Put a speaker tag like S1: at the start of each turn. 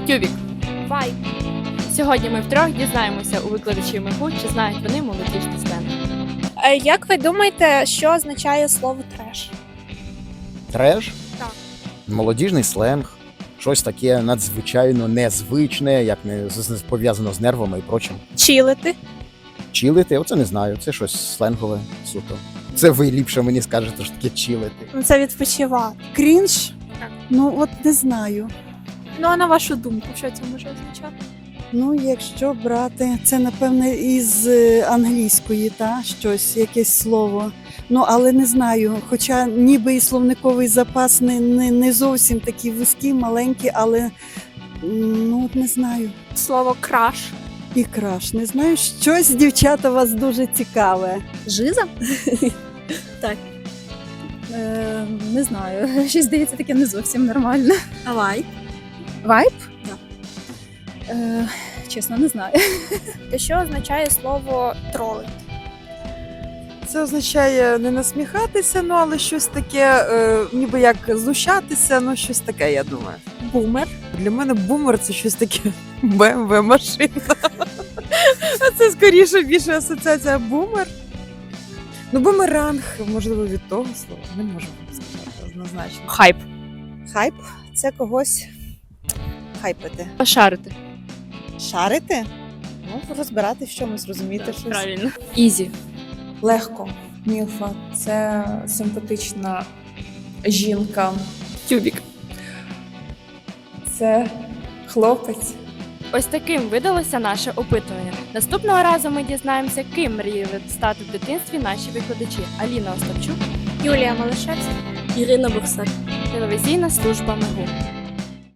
S1: Тюбік.
S2: Вайб.
S1: Сьогодні ми втрьох дізнаємося у викладачів МИГУ, чи знають вони молодіжний сленг.
S2: Як ви думаєте, що означає слово треш?
S3: Треш?
S2: Так.
S3: Молодіжний сленг. Щось таке надзвичайно незвичне, як не пов'язано з нервами і прочим.
S2: Чілити.
S3: Чилити, оце не знаю, це щось сленгове суто. Це ви ліпше мені скажете, що таке чилити.
S2: Ну, це відпочивати.
S4: Крінж?
S2: Так.
S4: Ну, от не знаю.
S2: Ну, а на вашу думку, що це може означати?
S4: Ну, якщо брати, це, напевне, із англійської, щось, якесь слово. Ну, але не знаю. Хоча ніби і словниковий запас не зовсім такий вузький, маленький, але ну, от не знаю.
S2: Слово краш.
S4: І краш. Не знаю, щось, дівчата, у вас дуже цікаве.
S5: Жиза? Так. Не знаю. Щось здається таке не зовсім нормально.
S4: А вайб?
S5: Вайб?
S4: Так.
S5: Чесно, не знаю.
S2: Що означає слово тролити?
S6: Це означає не насміхатися, ну але щось таке, ніби як знущатися, ну щось таке, я думаю.
S2: Бумер.
S6: Для мене бумер це щось таке BMW машина. А це скоріше більше асоціація бумер. Ну, бумеранг, можливо, від того слова. Не можу сказати однозначно.
S1: Хайп.
S7: Хайп це когось хайпити.
S1: Пошарити.
S7: Шарити? Ну, розбирати в чомусь, розуміти щось.
S1: Правильно. Ізі.
S8: Легко. Мілфа – це симпатична жінка.
S1: Тюбік.
S8: Це хлопець.
S1: Ось таким видалося наше опитування. Наступного разу ми дізнаємося, ким мріяли стати в дитинстві наші викладачі. Аліна Остапчук,
S2: Юлія Малишевська.
S1: Ірина Бурсак, телевізійна служба МИГУ.